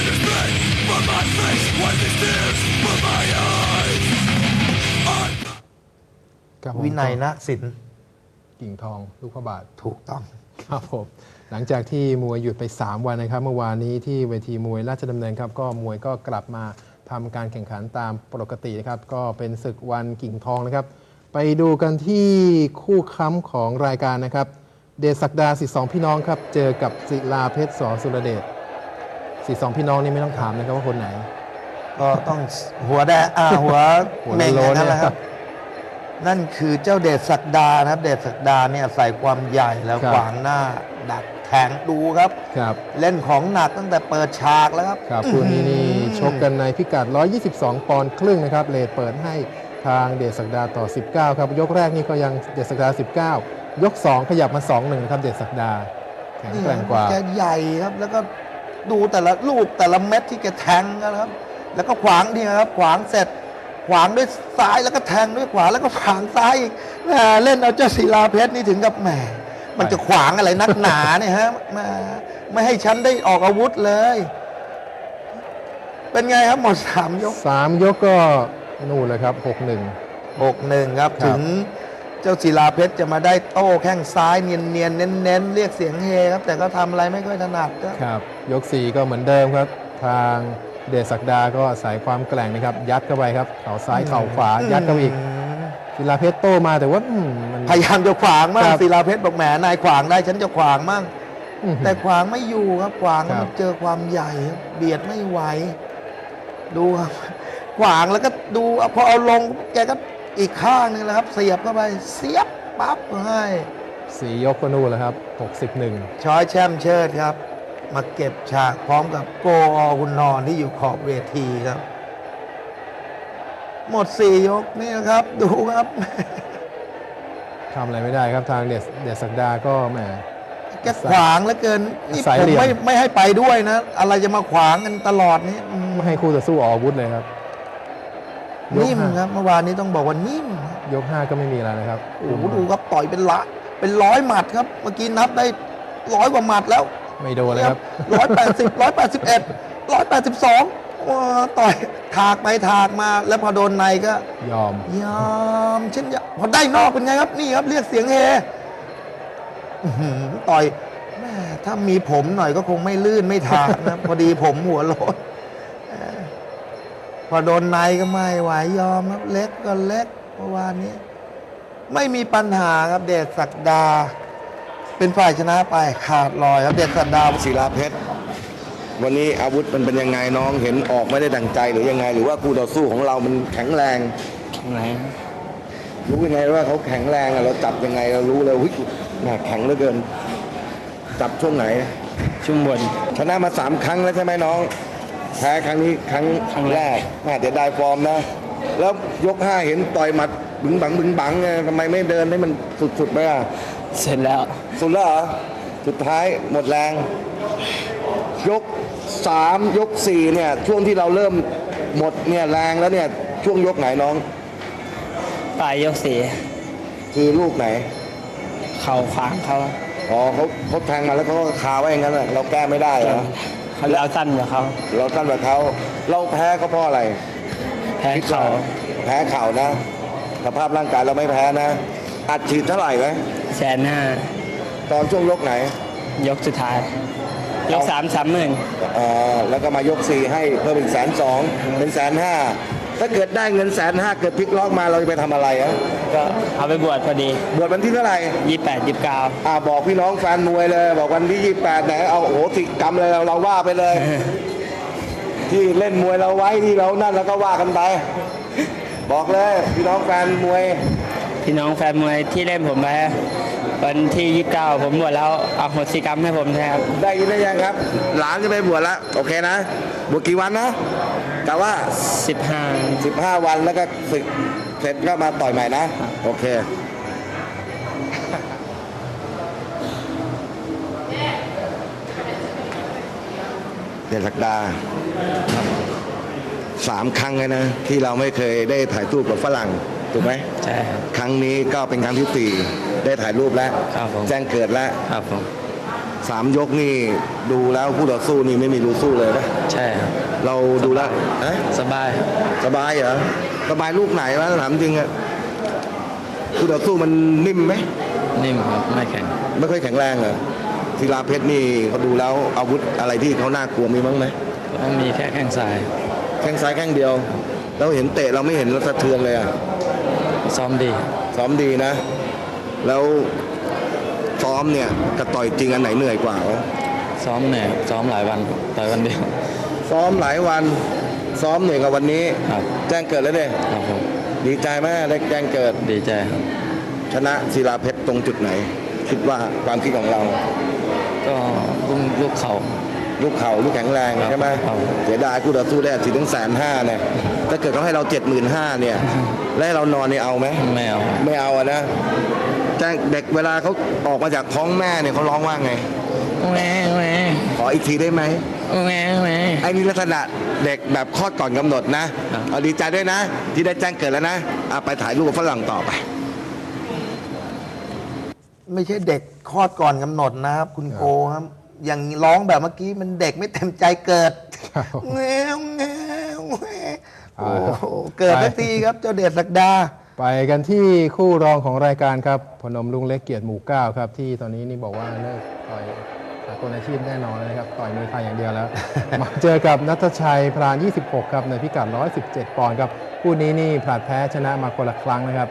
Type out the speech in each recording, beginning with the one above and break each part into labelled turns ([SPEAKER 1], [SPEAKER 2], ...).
[SPEAKER 1] วินัยนะศิลป์
[SPEAKER 2] กิ่งทองลูกพระบาท
[SPEAKER 1] ถูกต้อง
[SPEAKER 2] ครับผมหลังจากที่มวยหยุดไป3วันนะครับเมื่อวานนี้ที่เวทีมวยราชดำเนินครับก็มวยก็กลับมาทำการแข่งขันตามปกตินะครับก็เป็นศึกวันกิ่งทองนะครับไปดูกันที่คู่ค้ำของรายการนะครับเดชศักดา12พี่น้องครับเจอกับศิลาเพชรสสุรเดช12พี่น้องนี่ไม่ต้องถามนะครับว่าคนไหน
[SPEAKER 1] ก็ต้องหัวแดงหัวเม่งนั่นแหละครับนั่นคือเจ้าเดชศักดานะครับเดชศักดาเนี่ยใส่ความใหญ่แล้วขวางหน้าดักแทงดูครับเล่นของหนักตั้งแต่เปิดฉากแล้วครับ
[SPEAKER 2] คู่นี้นี่ชกกันในพิกัด122 ปอนด์ครึ่งนะครับเลทเปิดให้ทางเดชศักดาต่อ19ครับยกแรกนี่ก็ยังเดชศักดา19ยก2ขยับมา 2-1นะครับเดชศักดาแข็งแกร่งกว่า
[SPEAKER 1] แกใหญ่ครับแล้วก็ดูแต่ละลูกแต่ละเม็ดที่แกแทงนะครับแล้วก็ขวางดีครับขวางเสร็จขวางด้วยซ้ายแล้วก็แทงด้วยขวาแล้วก็ขวางซ้ายอีกเล่นเอาเจ้าศิลาเพชรนี่ถึงกับแหมมันจะขวางอะไรนักหนาเนี่ยฮะไม่ให้ฉันได้ออกอาวุธเลยเป็นไงครับหมด3 ยก
[SPEAKER 2] 3 ยกก็นู่นเลยครับ6-1
[SPEAKER 1] ครับถึงเจ้าศิลาเพชรจะมาได้โต้แข้งซ้ายเนียนๆเน้นๆเรียกเสียงเฮครับแต่ก็ทำอะไรไม่ค่อยถนัด
[SPEAKER 2] ครับยก4ก็เหมือนเดิมครับทางเดชศักดาก็อาศัยความแกร่งนะครับยัดเข้าไปครับเข่าซ้ายเข่าขวายัดเข้าอีกศิลาเพชรโต้มาแต่ว่า
[SPEAKER 1] พยายามจะขวางมากศิลาเพชรบอกแหมนายขวางได้ฉันจะขวางมั่งแต่ขวางไม่อยู่ครับขวางมันเจอความใหญ่เบียดไม่ไหวดูครับขวางแล้วก็ดูพอเอาลงแกก็อีกข้างนึงแล้วครับเสียบเข้าไปเสียบปั๊บให้
[SPEAKER 2] 4 ยกก็นู่นแล้วครับ61
[SPEAKER 1] ช้อยแชมป์เชิดครับมาเก็บฉากพร้อมกับโกอคุณนอนที่อยู่ขอบเวทีครับหมด4 ยกนี่นะครับดูครับ
[SPEAKER 2] ทำอะไรไม่ได้ครับทางเดชศักดาก็แหม
[SPEAKER 1] แกขวางเหลือเกินนี่ผมไม่ให้ไปด้วยนะอะไรจะมาขวางกันตลอดนี้
[SPEAKER 2] ไม่ให้คู่ต่อสู้ออกอาวุธเลยครับ
[SPEAKER 1] นิ่มครับเมื่อวานนี้ต้องบอกว่านิ่ม
[SPEAKER 2] ยก5ก็ไม่มีอะไรนะครับ
[SPEAKER 1] โอ้โหดูครับต่อยเป็น100 หมัดครับเมื่อกี้นับได้100 กว่าหมัดแล้ว
[SPEAKER 2] ไม่โดนเลยครับ
[SPEAKER 1] 180 181 182ต่อยถากไปถากมาแล้วพอโดนในก็
[SPEAKER 2] ยอ
[SPEAKER 1] มเช่นพอได้นอกเป็นไงครับนี่ครับเรียกเสียงเฮต่อยแม่ถ้ามีผมหน่อยก็คงไม่ลื่นไม่ถากนะพอดีผมหัวโลนพอโดนในก็ไม่ไหวยอมครับเล็กก็เล็กเมื่อวานนี้ไม่มีปัญหาครับเดชศักดาเป็นฝ่ายชนะไปขาดลอยครับเดชศักดา
[SPEAKER 3] ศิลาเพชรวันนี้อาวุธมันเป็นยังไงน้องเห็นออกไม่ได้ดั่งใจหรือยังไงหรือว่าคู่ต่อสู้ของเรามันแข็งแรงรู้ยังไงว่าเขาแข็งแรงเราจับยังไงเรารู้เลยหุ้ยแข็งเหลือเกินจับช่วงไหน
[SPEAKER 2] ช่วงบน
[SPEAKER 3] ชนะมา3 ครั้งแล้วใช่ไหมน้องแพ้ครั้งนี้ครั้งแรกเดี๋ยวได้ฟอร์มนะแล้วยก5เห็นต่อยหมัดบึ้งบังทำไมไม่เดินให้มันสุดๆไป
[SPEAKER 2] เสร็จแล้ว
[SPEAKER 3] สุดแล้วเหรอสุดท้ายหมดแรงยก3 ยก4เนี่ยช่วงที่เราเริ่มหมดเนี่ยแรงแล้วเนี่ยช่วงยกไหนน้อง
[SPEAKER 2] ปลายยก4
[SPEAKER 3] คือลูกไหน
[SPEAKER 2] เข่าขวางเขา
[SPEAKER 3] เขาแทงมาแล้วเขาคาไว้อย่างนั้นเราแก้ไม่ได้เหรอ
[SPEAKER 2] เราสั้นกว่าเขา
[SPEAKER 3] เราแพ้เขาเพราะอะไร
[SPEAKER 2] แพ้เ
[SPEAKER 3] ข่านะสภาพร่างกายเราไม่แพ้นะอัดฉีดเท่าไหร่ไหม
[SPEAKER 2] 150,000
[SPEAKER 3] ตอนช่วงยกไหน
[SPEAKER 2] ยกสุดท้ายยก30,000
[SPEAKER 3] แล้วก็มายก4ให้เพิ่มอีก120,000เป็น150,000ถ้าเกิดได้เงิน150,000เกิดพลิกล็อกมาเราจะไปทำอะไร
[SPEAKER 2] ก็เอาไปบวชพอดี
[SPEAKER 3] บวชวันที่เท่าไหร่
[SPEAKER 2] 28 29
[SPEAKER 3] บอกพี่น้องแฟนมวยเลยบอกวันที่28ไหนเอาโหสิกรรมเลยเราว่าไปเลยที่เล่นมวยเราไว้ที่เรานั่นแล้วก็ว่ากันไปบอกเลยพี่น้องแฟนมวย
[SPEAKER 2] ที่เล่นผมไปวันที่29ผมบวชแล้วเอาโหสิกรรมให้ผมนะครับ
[SPEAKER 3] ได้ยินได้ยังครับหลานจะไปบวชแล้วโอเคนะบวชกี่วันนะกะว่า15 วันแล้วก็ศึกเสร็จก็มาต่อยใหม่นะโอเคเดชศักดา3 ครั้งเลยนะที่เราไม่เคยได้ถ่ายรูปกับฝรั่งถูกไหม
[SPEAKER 2] ใช่
[SPEAKER 3] ครั้งนี้ก็เป็นครั้งที่4ได้ถ่ายรูปแล้ว
[SPEAKER 2] แ
[SPEAKER 3] จ้งเกิดแล้ว 3 ยกนี่ดูแล้วคู่ต่อสู้นี่ไม่มีรู้สู้เลยนะ
[SPEAKER 4] ใช่ครับ
[SPEAKER 3] เราดูแล้วฮะ
[SPEAKER 4] สบาย
[SPEAKER 3] สบายเหรอสบายลูกไหนวะถามจริงอะคู่ต่อสู้มันนิ่มไหม
[SPEAKER 4] นิ่มครับไม่แข็ง
[SPEAKER 3] ไม่ค่อยแข็งแรงเหรอศิลาเพชรนี่เขาดูแล้วอาวุธอะไรที่เขาน่ากลัวมีบ้างไหม
[SPEAKER 4] ก็มีแค่แข้งซ้าย
[SPEAKER 3] แข้งซ้ายแข้งเดียวเราเห็นเตะเราไม่เห็นเราสะเทือนเลยอะ
[SPEAKER 4] ซ้อมดี
[SPEAKER 3] ซ้อมดีนะ แล้วซ้อมเนี่ยกับต่อยจริงอันไหนเหนื่อยกว่าวะ
[SPEAKER 4] ซ้อมเหนื่อยซ้อมหลายวันต่อยวันเดียว
[SPEAKER 3] ซ้อมหลายวันซ้อมเหนื่อยกับวันนี้
[SPEAKER 4] ครับ
[SPEAKER 3] แจ้งเกิดแล้วเด้
[SPEAKER 4] ครับผม
[SPEAKER 3] ดีใจไหมได้แจ้งเกิด
[SPEAKER 4] ดีใจครับ
[SPEAKER 3] ชนะศิลาเพชรตรงจุดไหน คิดว่าความคิดของเรา
[SPEAKER 4] ก็ลูกเข่า
[SPEAKER 3] ลูกเข่าลูกแข็งแรง
[SPEAKER 4] ครับ
[SPEAKER 3] ใช่ไหม
[SPEAKER 4] ครับ
[SPEAKER 3] เสียดายคู่ต่อสู้ได้ถึง150,000เนี่ยถ้าเกิดเขาให้เรา75,000เนี่ยแล้วให้เรานอนเนี่ยเอาไหม
[SPEAKER 4] ไม่เอา
[SPEAKER 3] ไม่เอาอะนะแจ้งเด็กเวลาเขาออกมาจากท้องแม่เนี่ยเขาร้องว่าไง
[SPEAKER 4] แหวแหว
[SPEAKER 3] ขออีกทีได้ไหม
[SPEAKER 4] แหวแหว
[SPEAKER 3] ไอ้นี่ลักษณะเด็กแบบคลอดก่อนกำหนดนะครับ เอาดีใจด้วยนะ ที่ได้แจ้งเกิดแล้วนะไปถ่ายรูปกับฝรั่งต่อไป
[SPEAKER 1] ไม่ใช่เด็กคลอดก่อนกำหนดนะครับ คุณโกครับ อย่างร้องแบบเมื่อกี้มันเด็กไม่เต็มใจเกิด
[SPEAKER 2] ครับ
[SPEAKER 1] แงวแงวแงวโอ้
[SPEAKER 2] เอาละ
[SPEAKER 1] โหเกิดสักทีครับ เจ้าเดชศักดา
[SPEAKER 2] ไปกันที่คู่รองของรายการครับพนมลุงเล็กเกียรติหมู่เก้าครับที่ตอนนี้นี่บอกว่าเลิกต่อยสากลอาชีพแน่นอนเลยนะครับต่อยมวยไทยอย่างเดียวแล้ว มาเจอกับนัทชัยพราน 26 ครับในพิกัด 117 ปอนด์ครับคู่นี้นี่ผลัดแพ้ชนะมาคนละครั้งนะครับ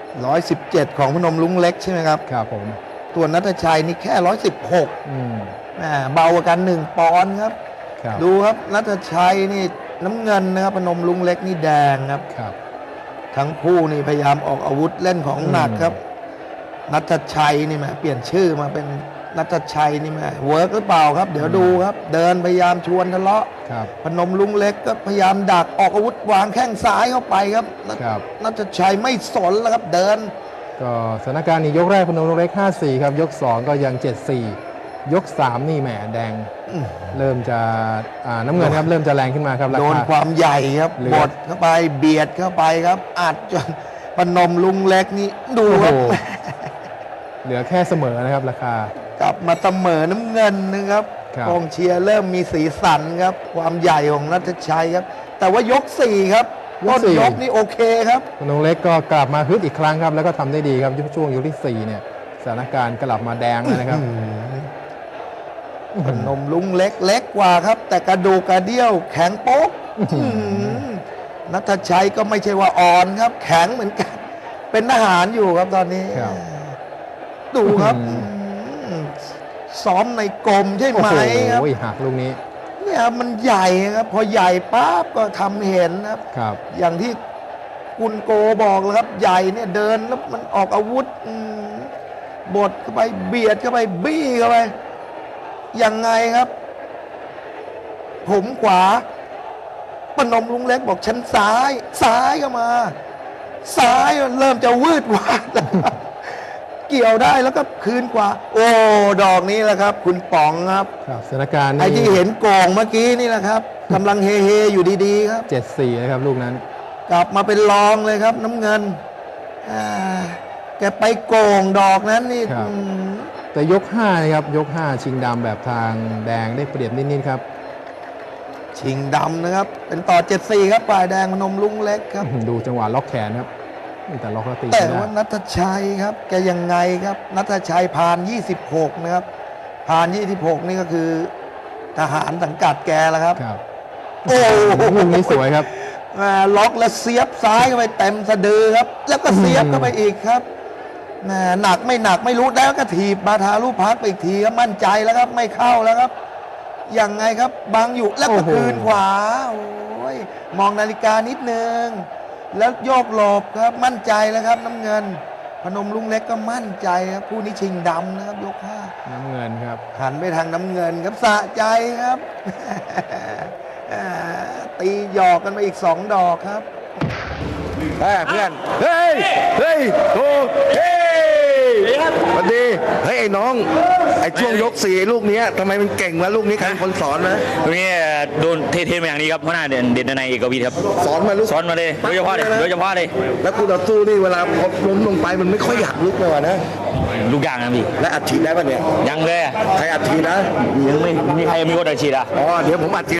[SPEAKER 1] 117 ของพนมลุงเล็กใช่ไหมครับ
[SPEAKER 2] ครับผม
[SPEAKER 1] ตัวนัทชัยนี่แค่ 116
[SPEAKER 2] อืม
[SPEAKER 1] เบากว่ากัน 1 ปอนด์ครับ
[SPEAKER 2] ครับ
[SPEAKER 1] ดูครับนัทชัยนี่น้ำเงินนะครับพนมลุงเล็กนี่แดงครับ
[SPEAKER 2] ครับ
[SPEAKER 1] ทั้งคู่นี่พยายามออกอาวุธเล่นของหนักครับ นัทชัยนี่แหมเปลี่ยนชื่อมาเป็นนัทชัยนี่แหมเวิร์กหรือเปล่าครับ เดี๋ยวดูครับ เดินพยายามชวนทะเลาะ
[SPEAKER 2] ครับ
[SPEAKER 1] พนมลุงเล็กก็พยายามดักออกอาวุธวางแข้งซ้ายเข้าไปครับ
[SPEAKER 2] ครับ
[SPEAKER 1] นัทชัยไม่สนแล้วครับเดิน
[SPEAKER 2] ก็สถานการณ์นี้ยกแรกพนมลุงเล็ก 5-4 ครับยก 2 ก็ยัง 7-4 ยก 3 นี่แหมแดงเริ่มจะน้ำเงินครับเริ่มจะแรงขึ้นมาครับรา
[SPEAKER 1] โดน
[SPEAKER 2] คา
[SPEAKER 1] ความใหญ่ครับ
[SPEAKER 2] เหลือ
[SPEAKER 1] บดเข้าไปเบียดเข้าไปครับอัดจนพนมลุงเล็กนี่ดู
[SPEAKER 2] โอ้
[SPEAKER 1] ค
[SPEAKER 2] โห
[SPEAKER 1] รับ
[SPEAKER 2] เหลือแค่เสมอนะครับราคา
[SPEAKER 1] กลับมาเสมอน้ำเงินนะครับ
[SPEAKER 2] ครับ
[SPEAKER 1] กองเชียร์เริ่มมีสีสันครับ ความใหญ่ของนัทชัยครับ แต่ว่ายก 4 ครับต้นยกนี่โอเคครับ
[SPEAKER 2] พนมเล็กก็กลับมาฮึดอีกครั้งครับ แล้วก็ทำได้ดีครับช่วงยกที่ 4 เนี่ยสถานการณ์กลับมาแดงแล้วนะครับ
[SPEAKER 1] พนมลุงเล็กเล็กกว่าครับ แต่กระดูกกระเดี่ยวแข็งโป๊กนัทชัยก็ไม่ใช่ว่าอ่อนครับ แข็งเหมือนกัน เป็นทหารอยู่ครับตอนนี้
[SPEAKER 2] ครับ
[SPEAKER 1] ดูครับซ้อมในกรมใช่
[SPEAKER 2] โอ้
[SPEAKER 1] ไหม
[SPEAKER 2] โห
[SPEAKER 1] ครับ
[SPEAKER 2] หักลูกนี้
[SPEAKER 1] เนี่ยมันใหญ่ครับ พอใหญ่ปั๊บก็ทำเห็นครับ
[SPEAKER 2] ครับ
[SPEAKER 1] อย่างที่คุณโกบอกเลยครับ ใหญ่เนี่ยเดินแล้วมันออกอาวุธบดเข้าไปเบียดเข้าไปบี้เข้าไปยังไงครับ ผมขวาปนมลุงเล็กบอกชั้นซ้าย ซ้ายก็มา ซ้ายมันเริ่มจะวืดวาดแล้วครับเกี่ยวได้แล้วก็คืนขวา โอ้ดอกนี้แหละครับ คุณป๋องครับ
[SPEAKER 2] ครับสถานการณ์
[SPEAKER 1] ไอ้
[SPEAKER 2] นี่
[SPEAKER 1] ที่เห็นโกงเมื่อกี้นี่แหละครับกำลังเฮเฮอยู่ดีๆครับ
[SPEAKER 2] 7-4 นะครับลูกนั้น
[SPEAKER 1] กลับมาเป็นรองเลยครับ น้ำเงินแกไปโกงดอกนั้นนี่
[SPEAKER 2] ครับ แต่ยก 5 นะครับ ยก 5 ชิงดำแบบทางแดงได้เปรียบนิด ๆ ครับ
[SPEAKER 1] ชิงดำนะครับ เป็นต่อ 74 ครับฝ่ายแดงพนมลุงเล็กครับ
[SPEAKER 2] ดูจังหวะล็อกแขนครับแต่ล็อกแล้วตี
[SPEAKER 1] แต่
[SPEAKER 2] ไม่ได้
[SPEAKER 1] ว่านัทชัยครับ แกยังไงครับ นัทชัยผ่าน 26 นะครับผ่าน 26 นี่ก็คือทหารสังกัดแกแล้วครับ
[SPEAKER 2] ครับ
[SPEAKER 1] โอ้
[SPEAKER 2] ลูกนี้สวยครับ
[SPEAKER 1] ล็อกแล้วเสียบซ้ายเข้าไปเต็มสะดือครับ แล้วก็เสียบเข้าไปอีกครับหนักไม่หนักไม่รู้แล้วก็ถีบมาทาลูกพักไปอีกทีครับมั่นใจแล้วครับไม่เข้าแล้วครับยังไงครับบังอยู่แล้วก็
[SPEAKER 2] โอ้โห
[SPEAKER 1] คืนขวาโอ้ยมองนาฬิกานิดนึงแล้วโยกหลบครับมั่นใจแล้วครับ น้ำเงิน พนมลุงเล็กก็มั่นใจครับผู้นี้ชิงดำนะครับยก
[SPEAKER 2] น้ำเงินครับ
[SPEAKER 1] 5หันไปทางน้ำเงินครับสะใจครับ ตีหยอกกันไปอีก2 ดอกครับ
[SPEAKER 3] เพื่อน เฮ้ย เฮ้ยโอ้เฮ้ยสวัสดีเฮ้ยไอ้น้องไอ้ช่วงยก4ลูกเนี้ยทำไมมันเก่งวะลูกนี้ใครเป็นคนสอนนะ
[SPEAKER 5] ตรงนี้โดนเทมาอย่างนี้ครับหัวหน้าเด่นในเอกวิทย์ครับ
[SPEAKER 3] สอนมาลูก
[SPEAKER 5] สอนมาเลยโดยเฉพาะเลย
[SPEAKER 3] แล้วกูต่อสู้นี่เวลาพอล้มลงไปมันไม่ค่อยอยากลุกเลยว่ะนะ
[SPEAKER 5] ลูกอย่างนะพี่
[SPEAKER 3] และอัดฉีดได้ปะเนี่ย
[SPEAKER 5] ยังเลยอะ
[SPEAKER 3] ใครอัดฉีดนะ
[SPEAKER 5] ยังไม่มีใครมีคนอาชีพอ่ะ
[SPEAKER 3] อ๋อเดี๋ยวผมอัดฉีด